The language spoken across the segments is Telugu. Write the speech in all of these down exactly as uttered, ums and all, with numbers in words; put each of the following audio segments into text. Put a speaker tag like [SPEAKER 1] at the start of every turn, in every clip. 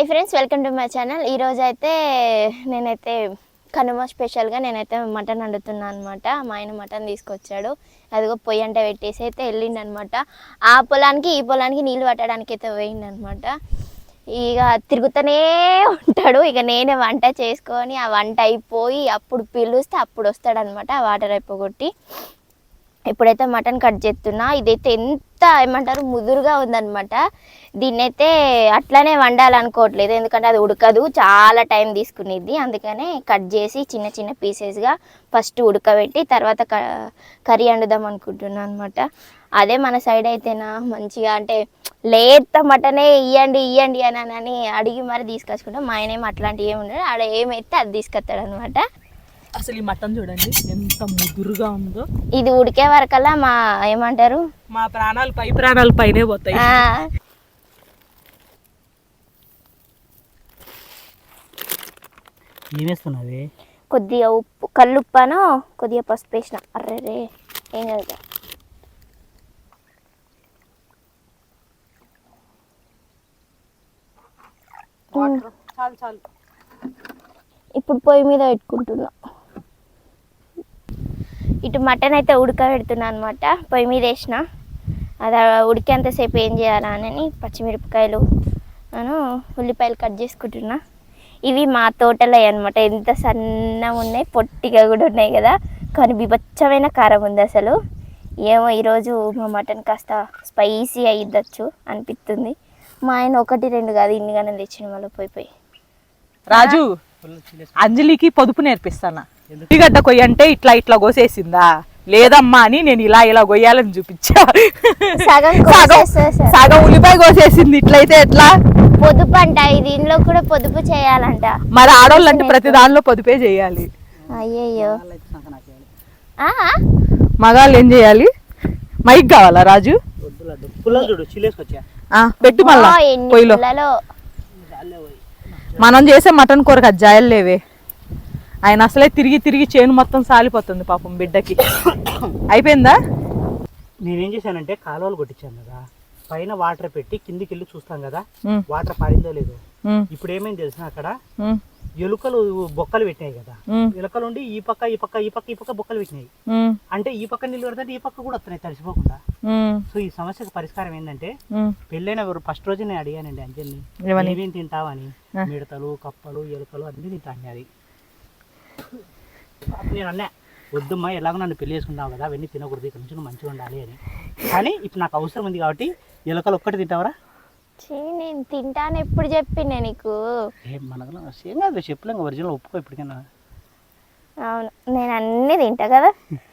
[SPEAKER 1] Hi friends, welcome to my channel. ఈరోజు అయితే నేనైతే కనుమ స్పెషల్గా నేనైతే మటన్ వండుతున్నాను అనమాట. మా ఆయన మటన్ తీసుకొచ్చాడు. అదిగో పొయ్యి అంటే పెట్టేసి అయితే వెళ్ళిండు అనమాట. ఆ పొలానికి ఈ పొలానికి నీళ్ళు పట్టడానికి అయితే పోయిండు అనమాట. ఇక తిరుగుతూనే ఉంటాడు. ఇక నేనే వంట చేసుకొని ఆ వంట అయిపోయి అప్పుడు పిలుస్తే అప్పుడు వస్తాడనమాట. ఆ వాటర్ అయిపోగొట్టి ఇప్పుడైతే మటన్ కట్ చేస్తున్నా. ఇదైతే ఎంత ఏమంటారు ముదురుగా ఉందన్నమాట. దీన్నైతే అట్లానే వండాలనుకోవట్లేదు, ఎందుకంటే అది ఉడకదు, చాలా టైం తీసుకునేది. అందుకనే కట్ చేసి చిన్న చిన్న పీసెస్గా ఫస్ట్ ఉడకబెట్టి తర్వాత కర్రీ వండుదాం అనుకుంటున్నాను అనమాట. అదే మన సైడ్ అయితేనా మంచిగా అంటే లేత మటనే ఇవ్వండి ఇవ్వండి అని అని అడిగి మరి తీసుకొచ్చుకుంటాం. మా ఆయన ఏమో అట్లాంటివి ఏమి ఉండదు, ఆడ ఏమైతే అది తీసుకొస్తాడు అనమాట.
[SPEAKER 2] అసలు ఈ మటన్ చూడండి ఎంత ముదురుగా ఉందో.
[SPEAKER 1] ఇది ఉడికే వరకల్లా మా ఏమంటారు
[SPEAKER 2] మా ప్రాణాలు పై ప్రాణాలు పైనే పోతాయి.
[SPEAKER 3] ఏమేస్తున్నావి?
[SPEAKER 1] కొద్దిగా ఉప్పు, కల్లుప్పాను, కొద్దిగా పసుపు వేసిన. అర్రే రే ఏం కదా.
[SPEAKER 2] చాలు చాలు.
[SPEAKER 1] ఇప్పుడు పొయ్యి మీద పెట్టుకుంటున్నా. ఇటు మటన్ అయితే ఉడకబెడుతున్నా అనమాట. పొయ్యి మీద వేసిన. అది ఉడికేంతసేపు ఏం చేయాలా అని పచ్చిమిరపకాయలు నేను ఉల్లిపాయలు కట్ చేసుకుంటున్నా. ఇవి మా తోటలో అనమాట. ఎంత సన్నగా ఉన్నాయి, పొట్టిగా కూడా ఉన్నాయి కదా, కానీ బిభత్సమైన కారం ఉంది అసలు. ఏమో ఈరోజు మా మటన్ కాస్త స్పైసీ అయ్యిద్దచ్చు అనిపిస్తుంది. మా ఆయన ఒకటి రెండు కాదు ఇన్ని గానే తెచ్చిన మళ్ళీ పోయి పోయి.
[SPEAKER 2] రాజు, అంజలికి పొదుపు నేర్పిస్తానా. ఉల్లిగడ్డ కొయ్య అంటే ఇట్లా ఇట్లా కోసేసిందా, లేదమ్మా అని నేను ఇలా ఇలా కొయ్యాలని చూపించా.
[SPEAKER 1] సగం
[SPEAKER 2] సగం ఉల్లిపాయ కోసేసింది. ఇట్లయితే ఎట్లా?
[SPEAKER 1] పొదుపు అంట, దీనిలో కూడా పొదుపు చేయాలంట.
[SPEAKER 2] మరి ఆడవాళ్ళు అంటే ప్రతి దానిలో పొదుపే చేయాలి.
[SPEAKER 1] అయ్యయ్యో,
[SPEAKER 2] మగాళ్ళు ఏం చేయాలి? మైక్ కావాలా రాజు? పెట్టి మళ్ళా పొయ్యిలో. మనం చేసే మటన్ కూరకు అది జాయలు లేవే. ఆయన అసలే తిరిగి తిరిగి చేను మొత్తం సాలిపోతుంది పాపం బిడ్డకి. అయిపోయిందా?
[SPEAKER 3] నేనేం చేశానంటే కాలువలు కొట్టించాను కదా, పైన వాటర్ పెట్టి కిందికి వెళ్ళి చూస్తాం కదా వాటర్ పారిందో లేదో. ఇప్పుడు ఏమైంది తెలిసిన, అక్కడ ఎలుకలు బొక్కలు పెట్టినాయి కదా, ఎలుకలు ఉండి ఈ పక్క ఈ పక్క ఈ పక్క ఈ పక్క బొక్కలు పెట్టినాయి. అంటే ఈ పక్క నీళ్ళు పెడతాంటే ఈ పక్క కూడా వస్తున్నాయి తడిసిపోకుండా. సో ఈ సమస్యకు పరిష్కారం ఏంటంటే, పెళ్ళైన ఫస్ట్ రోజు నేను అడిగానండి అంజలిని, ఏమేమి తింటావని. మిడతలు, కప్పలు, ఎలుకలు అన్ని తింటాను. అది నేను అన్నా, వద్దమ్మా ఎలాగో నన్ను పెళ్లి చేసుకుంటావు కదా, అవన్నీ తినకూడదు, ఇక్కడ నుంచి నువ్వు మంచిగా ఉండాలి అని. కానీ ఇప్పుడు నాకు అవసరం ఉంది కాబట్టి ఎలుకలు ఒక్కటి తింటావరా?
[SPEAKER 1] నేను తింటాను ఎప్పుడు చెప్పిండే నీకు?
[SPEAKER 3] ఏం మనకు ఏం కాదు, చెప్పలేం, ఒరిజినల్ ఒప్పుకో ఇప్పటికైనా.
[SPEAKER 1] అవును, నేను అన్నీ తింటా కదా.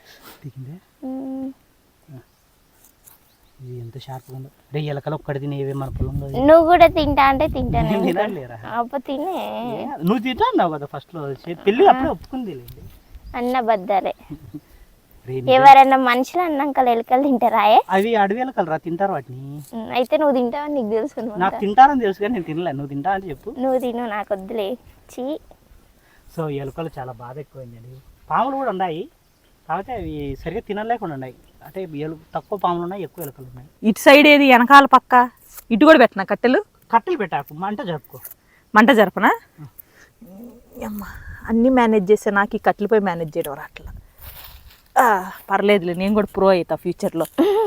[SPEAKER 3] ఇది ఎంత షార్ప్గా ఉందో. రే ఎలకలు ఒక్కటి తినేవే మన పొలంలో.
[SPEAKER 1] నువ్వు కూడా తింటా అంటే తింటాను.
[SPEAKER 3] తినలేరా?
[SPEAKER 1] తినే
[SPEAKER 3] నువ్వు తింటా అన్నావు కదా ఫస్ట్ లో, పెళ్ళి అప్పుడే ఒప్పుకుంది
[SPEAKER 1] అన్న బద్దలే. ఎవరన్నా మనుషులు అన్నాక ఎలుకలు తింటారా?
[SPEAKER 3] అవి అడవి ఎలకలు రా, తింటారు వాటిని.
[SPEAKER 1] అయితే నువ్వు తింటావని నీకు తెలుసు.
[SPEAKER 3] నాకు తింటారని తెలుసు కానీ నేను తినలే. నువ్వు తింటా అని చెప్పు.
[SPEAKER 1] నువ్వు తిను, నాకు వద్దులే. చీ.
[SPEAKER 3] సో ఎలుకలు చాలా బాధ ఎక్కువైందండి. పాములు కూడా ఉన్నాయి, కాకపోతే అవి సరిగ్గా తినలేకుండా ఉన్నాయి. అంటే తక్కువ పాములు ఉన్నాయి, ఎక్కువ ఎలుకలు ఉన్నాయి.
[SPEAKER 2] ఇటు సైడ్ ఏది వెనకాల పక్క ఇటు కూడా పెట్టినా కట్టెలు
[SPEAKER 3] కట్టెలు పెట్టాకు, మంట జరుపుకో.
[SPEAKER 2] మంట జరపనా? అమ్మా అన్నీ మేనేజ్ చేస్తే నాకు ఈ కట్టెలు పోయి మేనేజ్ చేయడం అట్లా. పర్లేదులే, నేను కూడా ప్రో అవుతా ఫ్యూచర్లో.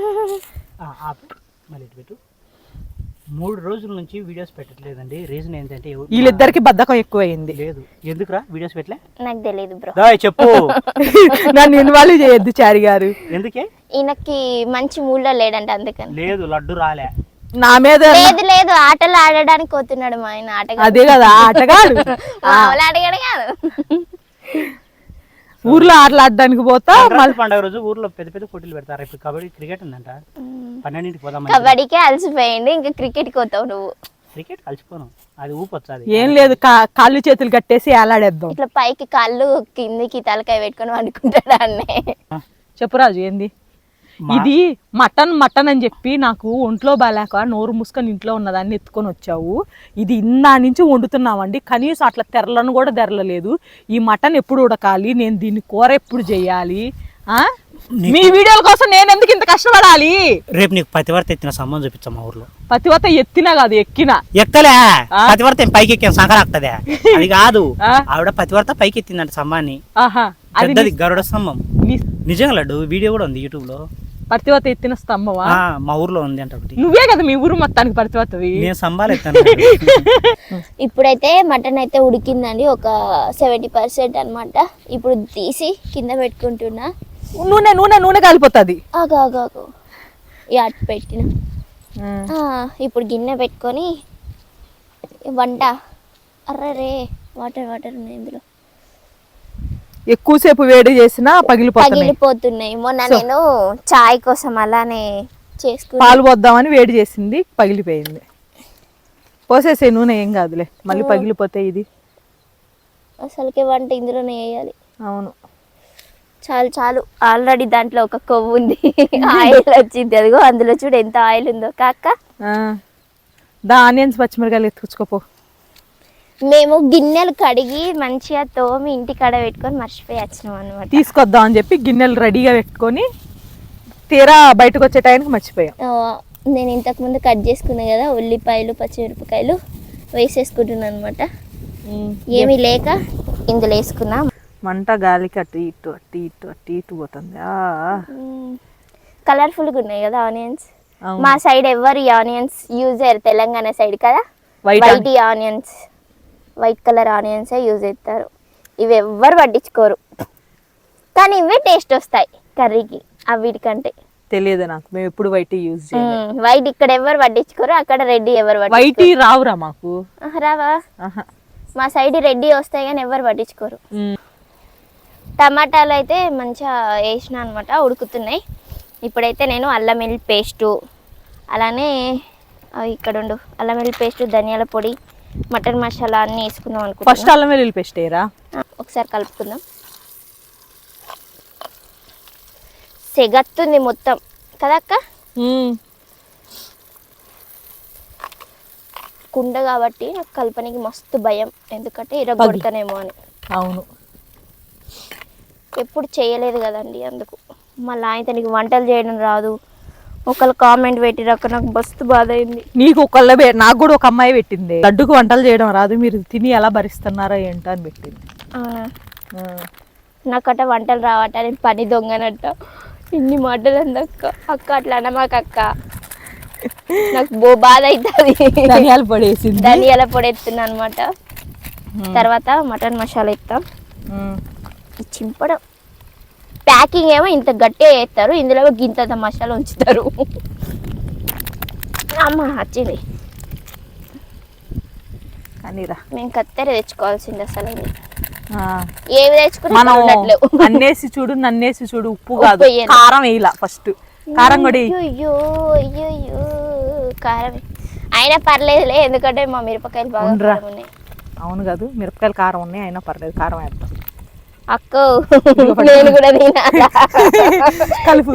[SPEAKER 3] మళ్ళీ ఇటు పెట్టు. మూడు రోజుల నుంచి వీడియోస్ పెట్టట్లేదండి. రీజన్ ఏంటంటే
[SPEAKER 2] వీళ్ళిద్దరికి బద్ధకం ఎక్కువైంది.
[SPEAKER 3] లేదు, ఎందుకురా వీడియోస్ పెట్టలే?
[SPEAKER 1] నాకు తెలియదు బ్రో.
[SPEAKER 3] చెప్పు.
[SPEAKER 2] నన్ను ఇన్వాల్వ్ చేయొద్దు చారి గారు.
[SPEAKER 3] ఎందుకే?
[SPEAKER 1] ఈయనకి మంచి మూడ్లో లేడంటే అందుకని.
[SPEAKER 3] లేదు, లడ్డు రాలే
[SPEAKER 2] నా మీద.
[SPEAKER 1] లేదు లేదు, ఆటలు ఆడడానికి పోతున్నాడు మా ఆయన. ఆటగా
[SPEAKER 2] అదే కదా ఆటగాడు.
[SPEAKER 1] ఆటగాడు కాదు,
[SPEAKER 2] ఊర్లో ఆటలు ఆడడానికి పోతా.
[SPEAKER 3] మళ్ళీ పండుగ రోజు ఊర్లో పెద్ద పెద్ద పోటీలు పెడతారు. ఇప్పుడు కబడ్డీ, క్రికెట్ ఉందంట. పన్నెండింటికి పోదాం.
[SPEAKER 1] కబడ్డీకే అలసిపోయింది, ఇంకా క్రికెట్కి పోతావు నువ్వు.
[SPEAKER 3] క్రికెట్ కలిసిపోను, అది ఊపొచ్చాది.
[SPEAKER 2] ఏం లేదు, కాళ్ళు చేతులు కట్టేసి ఏలాడేద్దాం.
[SPEAKER 1] ఇట్లా పైకి కాళ్ళు కిందికి తలకాయ పెట్టుకొని వండుకుంటాడు అన్నే.
[SPEAKER 2] చెప్పురాజు ఏంది ఇది? మటన్ మటన్ అని చెప్పి నాకు ఒంట్లో బాగాలేక నోరు మూసుకొని ఇంట్లో ఉన్నదాన్ని ఎత్తుకొని వచ్చావు. ఇది ఇందా నుంచి వండుతున్నామండి, కనీసం అట్లా తెరలను కూడా తెరలలేదు. ఈ మటన్ ఎప్పుడు ఉడకాలి? నేను దీన్ని కూర ఎప్పుడు చేయాలి?
[SPEAKER 3] నీకు-
[SPEAKER 2] మీ వీడియోల కోసం నేను ఎందుకు ఇంత కష్టపడాలి?
[SPEAKER 3] రేపు నీకు పతివర్త ఎత్తిన సంబంధం చూపించాం మా ఊర్లో.
[SPEAKER 2] పతివత ఎత్తినా కాదు ఎక్కినా.
[SPEAKER 3] ఎక్కలే పతివర్త ఏం పైకి ఎక్కాను సంకరాక్తదే అది కాదు.
[SPEAKER 2] ఆ?
[SPEAKER 3] ఆవిడ పతివర్త పైకి ఎత్తిందంట స్తంభాన్ని.
[SPEAKER 2] ఆహా అది
[SPEAKER 3] పెద్దది గరుడ స్తంభం.
[SPEAKER 2] నీ-
[SPEAKER 3] నిజంగా లడ్డు వీడియో కూడా ఉంది యూట్యూబ్ లో.
[SPEAKER 2] పతివత ఎత్తిన స్తంభమా?
[SPEAKER 3] ఆ, మా ఊర్లో ఉంది అంట ఒకటి.
[SPEAKER 2] నువ్వే కదా మీ ఊరు మొత్తానికి పతివతవి.
[SPEAKER 3] నేను స్తంభాలు ఎత్తాను.
[SPEAKER 1] ఇప్పుడైతే మటన్ అయితే ఉడికిందండి, ఒక సెవెంటీ పర్సెంట్ అనమాట. ఇప్పుడు తీసి కింద పెట్టుకుంటున్నా.
[SPEAKER 2] నూనె నూనె నూనె కాలిపోతుంది.
[SPEAKER 1] ఆగు ఆగు ఆగు ఈ అట్టు పెట్టిన. ఆ, ఇప్పుడు గిన్నె పెట్టుకొని వంట. అర్రరే వాటర్ వాటర్ ఉన్నాయి ఇందులో,
[SPEAKER 2] ఎక్కువసేపు వేడి చేసినా పగిలిపోతున్నాయి.
[SPEAKER 1] పగిలిపోతున్నాయి. మొన్న నేను చాయ్ కోసం అలానే చేసుకున్నా.
[SPEAKER 2] పాలు పోద్దామని వేడి చేసింది, పగిలిపోయింది. పోసేసే నూనె ఏం కాదులే, మళ్ళీ పగిలిపోతే ఇది.
[SPEAKER 1] అసలుకే వంట ఇందులోనే వేయాలి.
[SPEAKER 2] అవును
[SPEAKER 1] చాలు చాలు, ఆల్రెడీ దాంట్లో ఒక కొవ్వు ఉంది, ఆయిల్ వచ్చింది. అదిగో అందులో చూడు ఎంత ఆయిల్ ఉందో కాక.
[SPEAKER 2] ఆ. దా ఆనియన్స్ పచ్చిమిరకాయలు ఎత్తుకొచ్చుకోపో.
[SPEAKER 1] మేము గిన్నెలు కడిగి మంచిగా తోమి ఇంటి కాడ పెట్టుకొని మర్చిపోయి వచ్చినాం అనమాట.
[SPEAKER 2] తీసుకొద్దాం అని చెప్పి గిన్నెలు రెడీగా పెట్టుకొని తీరా బయటకు వచ్చే టైంకి మర్చిపోయాం.
[SPEAKER 1] నేను ఇంతకు ముందు కట్ చేసుకున్నా కదా ఉల్లిపాయలు పచ్చిమిరపకాయలు వేసేసుకుంటున్నాను అనమాట. ఏమీ లేక ఇందులో వేసుకున్నా.
[SPEAKER 2] మంట గాలికి అటు ఇటు అటు ఇటు అటు ఇటు పోతుంది.
[SPEAKER 1] కలర్ఫుల్గా ఉన్నాయి కదా ఆనియన్స్. మా సైడ్ ఎవరు ఈ ఆనియన్స్ యూజ్ చేయరు, తెలంగాణ సైడ్ కదా.
[SPEAKER 2] White
[SPEAKER 1] white onions, white colour ఆనియన్సే యూజ్ చేస్తారు. ఇవి ఎవ్వరు పట్టించుకోరు, కానీ ఇవే టేస్ట్ వస్తాయి కర్రీకి అవిటికంటే.
[SPEAKER 2] తెలియదు నాకు, మేము ఎప్పుడు వైట్ యూజ్ చేయాలి.
[SPEAKER 1] వైట్ ఇక్కడ ఎవరు పట్టించుకోరు, అక్కడ రెడ్డి ఎవరు
[SPEAKER 2] వైట్
[SPEAKER 1] పట్టించుకోరు.
[SPEAKER 2] రావురా మాకు.
[SPEAKER 1] ఆహా, రావా?
[SPEAKER 2] ఆహా.
[SPEAKER 1] మా సైడ్ రెడ్డి వస్తాయి కానీ ఎవరు పట్టించుకోరు. టమాటాలు అయితే మంచిగా వేసిన అనమాట, ఉడుకుతున్నాయి. ఇప్పుడైతే నేను అల్లం వెల్లుల్లి పేస్టు, అలానే అవి ఇక్కడ ఉండు అల్లం వెల్లుల్లి పేస్టు, ధనియాల పొడి, మటన్ మసాలా అన్నీ వేసుకుందాం అనుకుంటున్నా.
[SPEAKER 2] ఫస్ట్ అల్లం వెల్లుల్లి పేస్ట్ వేయరా?
[SPEAKER 1] ఒకసారి కలుపుకుందాం. సెగత్తుంది మొత్తం కదా అక్క. కుండ కాబట్టి నాకు కలపనికి మస్తు భయం, ఎందుకంటే ఇరగొడతానేమో అని.
[SPEAKER 2] అవును,
[SPEAKER 1] ఎప్పుడు చేయలేదు కదండి, అందుకు. మళ్ళీ ఆయన నీకు వంటలు చేయడం రాదు, ఒకళ్ళు కామెంట్ పెట్టిరాక నాకు మస్తు బాధ అయింది.
[SPEAKER 2] నీకు ఒకళ్ళ నాకు కూడా ఒక అమ్మాయి పెట్టింది, లడ్డుకు వంటలు చేయడం రాదు, మీరు తిని ఎలా భరిస్తున్నారా ఏంటో అని పెట్టింది.
[SPEAKER 1] నాకట వంటలు రావట, నేను పని దొంగనట్ట. ఇన్ని మాటలు అందక్క. అక్క అట్లా అనమాక అక్క, నాకు బో బాధ అవుతుంది.
[SPEAKER 2] ధనియాల పొడి వేసింది,
[SPEAKER 1] ధనియాల పొడి ఎత్తున్నా అనమాట. తర్వాత మటన్ మసాలా ఎత్తాం. చింపడం ప్యాకింగ్ ఏమో ఇంత గట్టిగా వేస్తారు, ఇందులో గింత మసాలా ఉంచుతారు. అమ్మ వచ్చింది
[SPEAKER 2] అనిరా.
[SPEAKER 1] మేము కత్తెర తెచ్చుకోవాల్సింది అసలు.
[SPEAKER 2] మనం
[SPEAKER 1] ఏవి తెచ్చుకున్నా
[SPEAKER 2] అన్నేసి చూడు నన్నేసి చూడు, ఉప్పు కాదు
[SPEAKER 1] ఉప్పు వేయాలి.
[SPEAKER 2] కారం వేయాల. ఫస్ట్ కారం కూడా వేయి.
[SPEAKER 1] అయ్యో అయ్యో అయ్యో కారం అయినా పర్లేదులే, ఎందుకంటే మా మిరపకాయలు బాగా
[SPEAKER 2] అవునురా.
[SPEAKER 1] కారం ఉన్నాయి.
[SPEAKER 2] అవును కాదు, మిరపకాయలు కారం ఉన్నాయి, అయినా పర్లేదు కారం వేద్దాం.
[SPEAKER 1] అక్క నేను కూడా తినాలా?
[SPEAKER 2] కలుపు.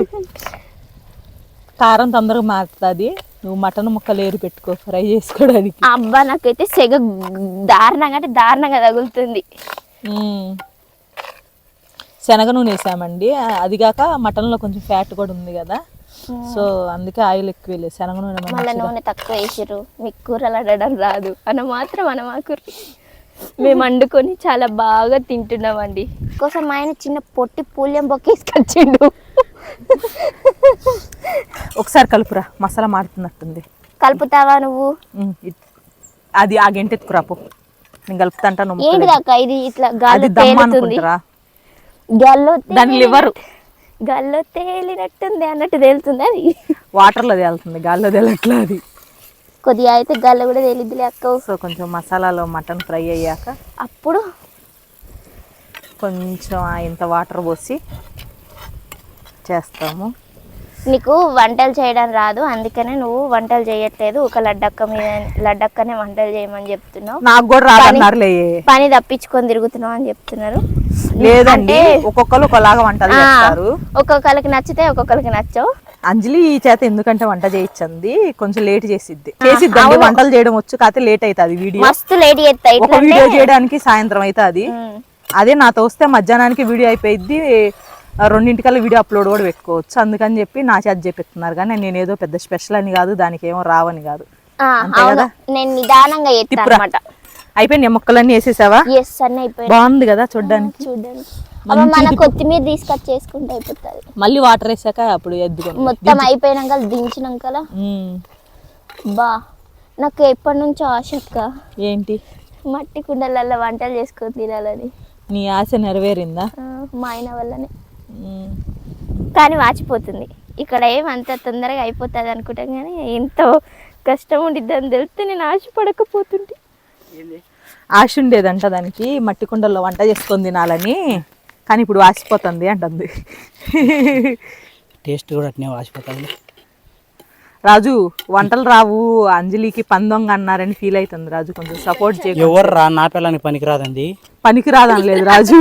[SPEAKER 2] కారం తొందరగా మారుతుంది. నువ్వు మటన్ ముక్కలు ఏరి పెట్టుకో ఫ్రై చేసుకోవడానికి.
[SPEAKER 1] అబ్బా నాకైతే సెగ దారుణంగా అంటే దారుణంగా తగులుతుంది.
[SPEAKER 2] శనగ నూనె వేసామండి, అదిగాక మటన్లో కొంచెం ఫ్యాట్ కూడా ఉంది కదా, సో అందుకే ఆయిల్ ఎక్కువ వేయలేదు. శనగ నూనె
[SPEAKER 1] మళ్ళీ నూనె తక్కువ వేసారు. మీకు కూరలు అడడం రాదు అన్న మాత్రం అనమాకుర్రి. మేము వండుకొని చాలా బాగా తింటున్నామండి. కోసం ఆయన చిన్న పొట్టి పూల్యం బొక్కేసుకొచ్చిండు.
[SPEAKER 2] ఒకసారి కలుపురా, మసాలా మాడుతున్నట్టుంది.
[SPEAKER 1] కలుపుతావా నువ్వు?
[SPEAKER 2] అది ఆ గంట ఎత్తుకురాపో, నేను కలుపుతాంటా.
[SPEAKER 1] ఏంటి దాకా ఇది ఇట్లా గాల్లో తేలుతుంది, గాల్లో
[SPEAKER 2] దాని లివర్
[SPEAKER 1] గాల్లో తేలినట్టుంది అన్నట్టు తేలుతుంది. అది
[SPEAKER 2] వాటర్లో తేలుతుంది, గాల్లో తేలట్లా. అది
[SPEAKER 1] కొద్దిగా అయితే గాల్లో కూడా తేలిద్దిలే అక్క.
[SPEAKER 2] సో కొంచెం మసాలాలో మటన్ ఫ్రై అయ్యాక
[SPEAKER 1] అప్పుడు
[SPEAKER 2] కొంచెం ఇంత వాటర్ పోసి చేస్తాము.
[SPEAKER 1] నీకు వంటలు చేయడం రాదు, అందుకనే నువ్వు వంటలు చేయట్లేదు. ఒక లడ్డక్క మీద లడ్డక్కనే వంటలు చేయమని చెప్తున్నావు.
[SPEAKER 2] నాకు కూడా రాదన్నారులే,
[SPEAKER 1] పని తప్పించుకొని తిరుగుతున్నావు అని చెప్తున్నారు.
[SPEAKER 2] లేదంటే ఒక్కొక్కరు ఒకలాగా వంటలు చేస్తారు,
[SPEAKER 1] ఒక్కొక్కరికి నచ్చితే ఒక్కొక్కరికి నచ్చవు.
[SPEAKER 2] అంజలి ఈ చేత ఎందుకంటే వంట చేయించింది, కొంచెం లేట్ చేసిద్ది చేసిద్దండి. వంటలు చేయడం వచ్చు కాకపోతే లేట్ అవుతుంది. వీడియో
[SPEAKER 1] మస్తు లేట్ చేస్తాయి.
[SPEAKER 2] ఒక వీడియో చేయడానికి సాయంత్రం అవుతుంది. అదే నాతో వస్తే మధ్యాహ్నానికి వీడియో అయిపోయింది, ఆ రెండింటికల్లా వీడియో అప్లోడ్ కూడా పెట్టుకోవచ్చు. అందుకని చెప్పి నా చేత చెప్పిస్తున్నారు, కానీ నేను ఏదో పెద్ద స్పెషల్ అని కాదు, దానికి ఏమో రావని కాదు.
[SPEAKER 1] ఆ,
[SPEAKER 2] అంతే
[SPEAKER 1] అవును.
[SPEAKER 2] కదా?
[SPEAKER 1] నేను నిదానంగా ఎత్తాను
[SPEAKER 2] తిప్పురా.
[SPEAKER 1] అనమాట.
[SPEAKER 2] అయిపోయింది మొక్కలన్నీ వేసేసావా?
[SPEAKER 1] ఎస్ అన్నీ అయిపోయింది.
[SPEAKER 2] బాగుంది కదా చూడ్డానికి.
[SPEAKER 1] చూడండి అమ్మ, మన కొత్తిమీర తీసుకొచ్చి చేసుకుంటే అయిపోతుంది.
[SPEAKER 2] మళ్ళీ వాటర్ వేసాక అప్పుడు ఎద్దుకోండి.
[SPEAKER 1] మొత్తం అయిపోయినాక దించినాక బా నాకు ఎప్పటి నుంచో ఆశ అక్క,
[SPEAKER 2] ఏంటి
[SPEAKER 1] మట్టి కుండలలో వంటలు చేసుకొని తినాలని.
[SPEAKER 2] నీ ఆశ నెరవేరిందా?
[SPEAKER 1] ఆ, మా ఆయన వల్లనే.
[SPEAKER 2] ఉమ్.
[SPEAKER 1] కానీ వాచిపోతుంది. ఇక్కడ ఏమంత తొందరగా అయిపోతుంది అనుకుంటాం, కానీ ఎంతో కష్టం ఉండిద్ది అని తెలిస్తే నేను ఆశపడకపోతుంటే.
[SPEAKER 2] ఆశ ఉండేదంట దానికి మట్టి కుండల్లో వంట చేసుకొని తినాలని, కానీ ఇప్పుడు వాసిపోతుంది అంటుంది.
[SPEAKER 3] టేస్ట్ కూడా అట్నే వాసిపోతుంది.
[SPEAKER 2] రాజు వంటలు రావు, అంజలికి పందొంగ అన్నారని ఫీల్ అవుతుంది రాజు. కొంచెం సపోర్ట్ చేయ.
[SPEAKER 3] ఎవరు రా నా పిల్లని పనికిరాదండి.
[SPEAKER 2] పనికి రాదని లేదు రాజు.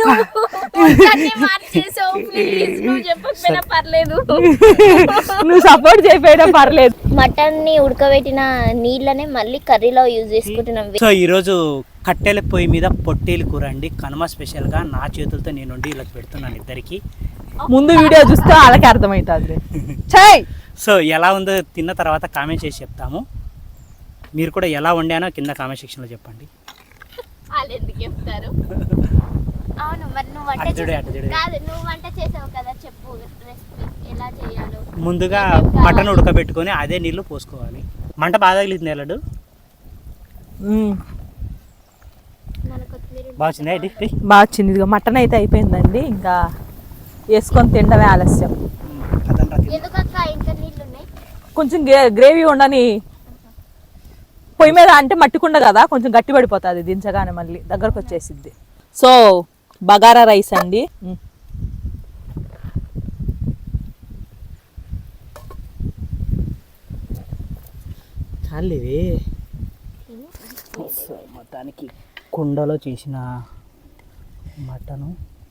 [SPEAKER 2] నువ్వు సపోర్ట్ చేయకపోయినా పర్లేదు.
[SPEAKER 1] మటన్ ని ఉడకబెట్టిన నీళ్ళనే మళ్ళీ కర్రీలో యూజ్ చేసుకుంటున్నాం.
[SPEAKER 3] సో ఈరోజు కట్టెల పొయ్యి మీద పొట్టేలు కూర అండి, కనుమ స్పెషల్గా నా చేతులతో నేను వండి ఇలా పెడుతున్నాను ఇద్దరికి.
[SPEAKER 2] ముందు వీడియో చూస్తే వాళ్ళకి అర్థమవుతుంది. చెయ్.
[SPEAKER 3] సో ఎలా ఉందో తిన్న తర్వాత కామెంట్ చేసి చెప్తాము. మీరు కూడా ఎలా వండానో కింద కామెంట్ సెక్షన్లో చెప్పండి.
[SPEAKER 1] వాళ్ళు ఎందుకు చెప్తారు? అవును, మరి నువ్వు వంట
[SPEAKER 3] అటు చూడు,
[SPEAKER 1] చేసావు
[SPEAKER 3] అటు చూడు.
[SPEAKER 1] కాదు, నువ్వు వంట చేసావు కదా, చెప్పు రెసిపీ ఎలా చేయాలో.
[SPEAKER 3] ముందుగా మటన్ ఉడకబెట్టుకొని అదే నీళ్ళు పోసుకోవాలి. మంట బాగా తగిలింది లడ్డు.
[SPEAKER 2] ఉమ్.
[SPEAKER 1] మన కొత్తిమీర
[SPEAKER 3] బాగా వచ్చిందా ఇది? ఇది?
[SPEAKER 2] బాగా వచ్చింది. ఇదిగో మటన్ అయితే అయిపోయిందండి, ఇంకా వేసుకొని తినడమే ఆలస్యం.
[SPEAKER 3] కదండ్రా తిను.
[SPEAKER 1] ఎందుకక్క ఇంకా నీళ్ళు ఉన్నాయి?
[SPEAKER 2] కొంచెం గ్రేవీ ఉండని పొయ్యి మీద, అంటే మట్టికుండ కదా, కొంచెం గట్టి పడిపోతుంది దించగానే, మళ్ళీ దగ్గరకు వచ్చేసిద్ది. సో బగారా రైస్ అండి. ఉమ్.
[SPEAKER 3] చాలేవే. సో మొత్తానికి కుండలో చేసిన మటను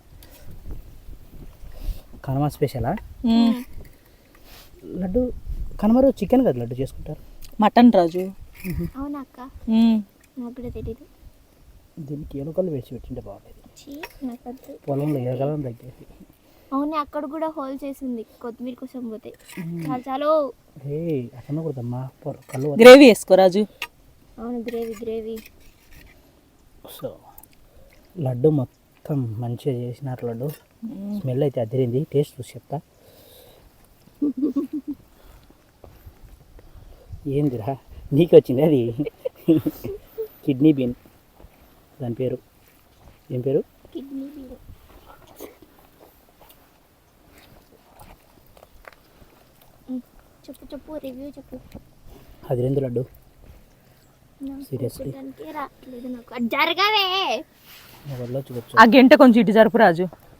[SPEAKER 3] కనుమ స్పెషలా?
[SPEAKER 2] ఉమ్.
[SPEAKER 3] లడ్డు కనుమ రోజు చికెన్ కదా లడ్డు చేసుకుంటారు.
[SPEAKER 2] మటన్ రాజు.
[SPEAKER 1] అవునా అక్క?
[SPEAKER 2] ఉమ్.
[SPEAKER 1] నాకు కూడా తెలీదు.
[SPEAKER 3] దీనికి ఎలుకలు వేసి పెట్టింటే బాగుండేది.
[SPEAKER 1] చీ, నాకు వద్దు.
[SPEAKER 3] పొలంలో ఎలకలను తగ్గేసి.
[SPEAKER 1] అవునే, అక్కడ కూడా హోల్ చేసింది కొత్తిమీర కోసం పోతే. చాలు చాలు.
[SPEAKER 3] ఏ అట్లా కూడదమ్మా, పొర- కళ్ళు వద్దు.
[SPEAKER 2] గ్రేవీ వేసుకో రాజు.
[SPEAKER 1] అవును, గ్రేవీ గ్రేవీ.
[SPEAKER 3] సో లడ్డు మొత్తం మంచిగా చేసినారు లడ్డు. స్మెల్ అయితే అదిరింది. టేస్ట్ చూసి చెప్తా. ఏందిరా నీకు వచ్చింది అది? కిడ్నీ బీన్ దాని పేరు. ఏం పేరు?
[SPEAKER 1] Kidney bean. చెప్పు చెప్పు, రివ్యూ చెప్పు.
[SPEAKER 3] అది రెండు లడ్డు.
[SPEAKER 1] నాకు
[SPEAKER 3] Seriously?
[SPEAKER 1] చూడడానికే రావట్లేదు నాకు. అది జరగవే.
[SPEAKER 3] ఒకళ్ళు చూడొచ్చు.
[SPEAKER 2] ఆ గంట కొంచెం ఇటు జరుపు రాజు.